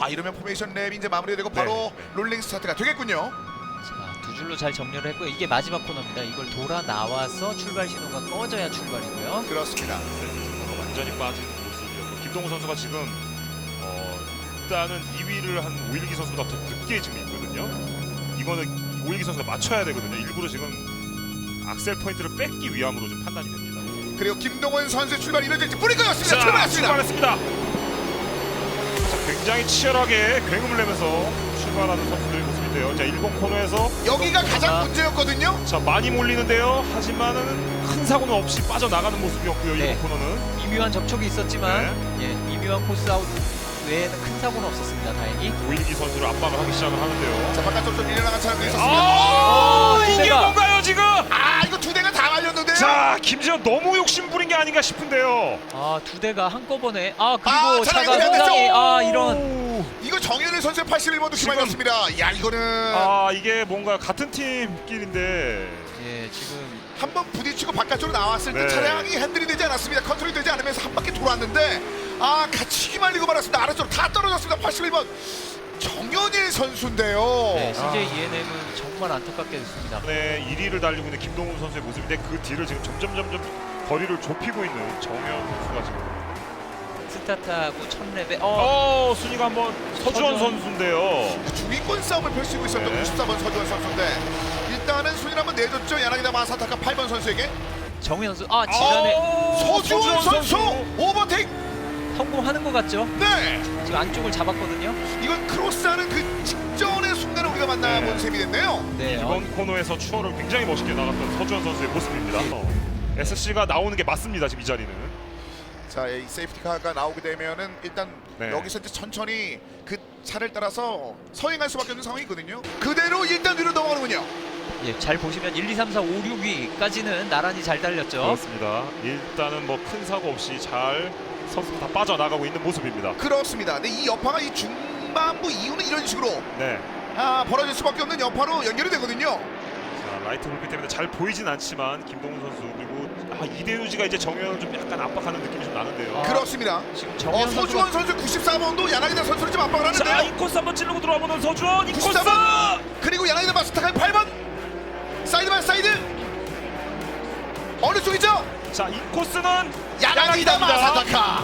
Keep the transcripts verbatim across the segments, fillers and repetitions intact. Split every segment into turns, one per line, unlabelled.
아 이러면 포메이션 랩이 이제 마무리되고 바로
네.
롤링 스타트가 되겠군요.
자, 두 줄로 잘 정렬을 했고요. 이게 마지막 코너입니다. 이걸 돌아 나와서 출발 신호가 꺼져야 출발이고요.
그렇습니다.
네, 완전히 빠진 모습이었고 김동우 선수가 지금 어, 일단은 이 위를 한 오일기 선수보다 더 늦게 지금 있거든요. 이거는 오일기 선수가 맞춰야 되거든요. 일부러 지금 악셀 포인트를 뺏기 위함으로 좀 판단이 됩니다.
그리고 김동원 선수의 출발이 이뤄질지 뿌리고였습니다.
자,
출발했습니다.
출발했습니다. 자, 굉장히 치열하게 굉음을 내면서 출발하는 선수들의 모습인데요. 자, 일본 코너에서
여기가 가장
코너가-
문제였거든요.
자, 많이 몰리는데요. 하지만은 큰 사고는 없이 빠져나가는 모습이었고요.
네.
일본 코너는.
미묘한 접촉이 있었지만 예, 미묘한 코스 아웃 외에는 큰 사고는 없었습니다. 다행히.
오일기 선수를 압박을 하기 시작을 하는데요.
자 바깥쪽으로 밀려나간 차량도 있었습니다.
아,
어,
이게
두대가.
뭔가요 지금?
아 이거 두 대가 다 말렸는데요.
자, 김지현 너무 욕심 부린 게 아닌가 싶은데요.
아, 두 대가 한꺼번에 아 그리고
아,
차가
차량이
상당히 아 이런
오.
이거 정현일 선수의 팔십일 번도
지금-
기말렸습니다. 야 이거는
아, 이게 뭔가 같은 팀끼리인데.
예 지금
한 번 부딪히고 바깥쪽으로 나왔을 때
네.
차량이 핸들이 되지 않았습니다. 컨트롤이 되지 않으면서 한 바퀴 돌았는데 아 같이 휘말리고 말았습니다. 아래쪽으로 다 떨어졌습니다. 팔십일 번 정현일 선수인데요.
네,
아.
씨제이 이엔엠은 정말 안타깝게 됐습니다.
네, 일 위를 달리고 있는 김동훈 선수의 모습인데 그 뒤를 지금 점점 점점 거리를 좁히고 있는 정현 선수가 지금.
스타트하고 첫 랩에 어,
어, 순위가 한번 서주원
서주원.
선수인데요.
중위권 싸움을 펼치고 있었던
네.
구십사 번 서주원 선수인데 일단은 순위를 한번 내줬죠. 야나기다 마사타카 팔 번 선수에게.
정현 선수 아 지난해
어,
서주원 선수 오버테이크.
성공하는 것 같죠?
네.
지금 안쪽을 잡았거든요.
이건 크로스하는 그 직전의 순간에 우리가 만나본
네.
셈이 됐네요.
네, 어,
이번 코너에서 추월을 굉장히 멋있게 나갔던 서주원 선수의 모습입니다. 어, 에스씨가 나오는 게 맞습니다. 지금 이 자리는.
자, 이 세이프티카가 나오게 되면은 일단
네.
여기서 이제 천천히 그 차를 따라서 서행할 수밖에 없는 상황이거든요. 그대로 일단 위로 넘어가는군요.
예, 잘 보시면 일, 이, 삼, 사, 오, 육 위까지는 나란히 잘 달렸죠.
그렇습니다. 일단은 뭐 큰 사고 없이 잘 선수들 다 빠져나가고 있는 모습입니다.
그렇습니다. 근데 이 여파가 이 중반부 이후는 이런 식으로
네.
아, 벌어질 수밖에 없는 여파로 연결이 되거든요.
자, 라이트 불빛 때문에 잘 보이진 않지만 김동훈 선수 그리고 아, 이대유지가 이제 정현을 좀 약간 압박하는 느낌이 좀 나는데요.
아,
그렇습니다.
지금
어,
정현
서주원
선수가
선수 구십사 번도 야나기다 선수를 좀 압박을
자,
하는데요.
이 코스 한번 찌르고 들어와보는 서주원 이 코스.
구십사 번 그리고 야나기다 마스타카의 팔 번 사이드 바이 사이드 어느 쪽이죠?
자, 이 코스는
야나기다
야나기다입니다.
마사타카.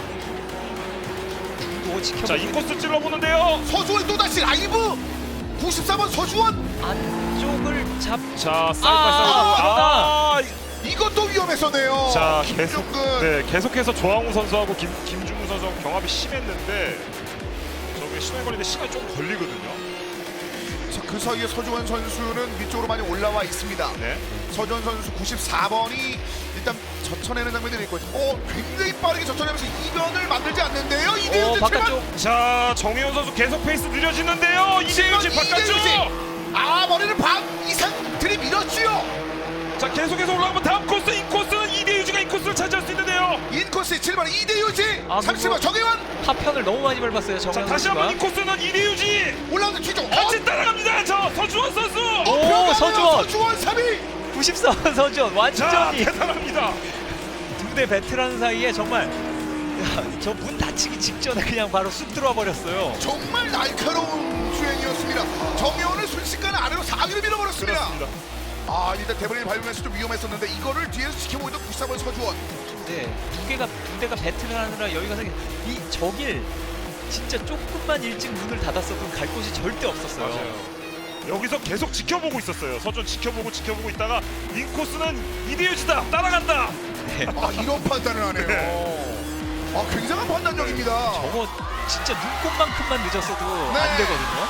또 지켜보고
자, 이 코스 찔러보는데요.
서주원 또다시 라이브 구십사 번 서주원
안쪽을 잡.
자, 사이드
아,
바이
아,
사이드. 아,
이것도 위험했었네요.
자, 계속
김종근.
네, 계속해서 조항우 선수하고 김 김중우 선수하고 경합이 심했는데 저게 시간이 걸리는데 시간이 좀 걸리거든요.
자, 그 사이에 서주원 선수는 위쪽으로 많이 올라와 있습니다.
네.
서주원 선수 구십사 번이 일단 젖혀내는 장면들이 있고 어, 굉장히 빠르게 젖혀내면서 이변을 만들지 않는데요.
어,
이대유지
바깥쪽.
자, 정혜원 선수 계속 페이스 느려지는데요. 이대유지 바깥쪽.
아 머리를 반 이상 들이밀었지요.
자, 계속해서 올라가면 다음 코스 이 코스는 이대유지가 이 코스를 차지할 수 있는데요.
인코스 칠 번 이대유지
아,
삼십 번
그거-
정혜원
하편을 너무 많이 밟았어요.
자,
정현
다시
선수가.
한번 이 코스는 이대유지
올라오는 뒤쪽 어?
같이 따라갑니다. 저 서주원 선수.
오, 서주원.
서주원 삼 위
구십사 번 서주원
자,
완전히
대단합니다.
두 대 베테랑 사이에 정말 저 문 닫히기 직전에 그냥 바로 쑥 들어와 버렸어요.
정말 날카로운 주행이었습니다. 정혜원을 순식간에 아래로 사 위로 밀어버렸습니다.
그렇습니다.
아 일단 대본을 밟으면서 좀 위험했었는데 이거를 뒤에서 지켜보고 있던 구십사 번 서주원.
네, 두 개가 두 대가 배틀을 하느라 여기가 생겨. 이 저길 진짜 조금만 일찍 문을 닫았어도 갈 곳이 절대 없었어요.
맞아요. 여기서 계속 지켜보고 있었어요. 서준 지켜보고 지켜보고 있다가 인코스는 이대유지다 따라간다.
네.
아 이런 판단을 하네요.
네.
아 굉장한 판단력입니다.
저거 진짜 눈곱만큼만 늦었어도
네.
안 되거든요.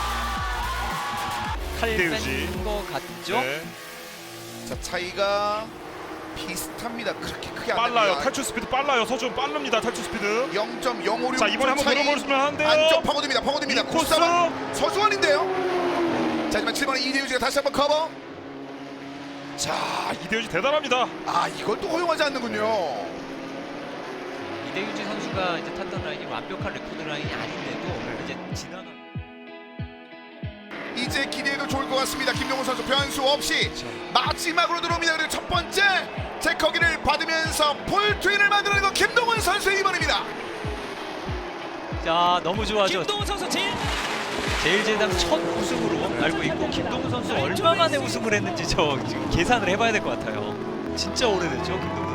칼
이대유지.
뺀 거 같죠?
네.
자 차이가 비슷합니다. 그렇게 크게 안
빨라요.
됩니다.
탈출 스피드 빨라요. 서준 빠릅니다. 탈출 스피드.
영 점 영오육
자, 이번에 한번 물어보시면 하는데요.
안쪽 파고듭니다. 파고듭니다.
이 코스.
구십사 번 서주원인데요. 자 하지만 칠 번에 이대유지가 다시 한번 커버.
자, 이대유지 대단합니다.
아 이걸 또 허용하지 않는군요.
이대유지 선수가 이제 탔던 라인이 완벽한 레코드 라인이 아닌데도
네.
이제 지나가.
이제 기대해도 좋을 것 같습니다. 김동훈 선수 변수 없이
그렇죠.
마지막으로 들어옵니다. 그리고 첫 번째 제커기를 받으면서 폴트윈을 만들어낸 건 김동훈 선수의 이번입니다.
자, 너무 좋아죠.
김동훈 선수 제일
제일제당 첫 우승으로 알고 있고 김동훈 선수 얼마 만에 우승을 했는지 저 지금 계산을 해봐야 될 것 같아요. 진짜 오래됐죠 김동훈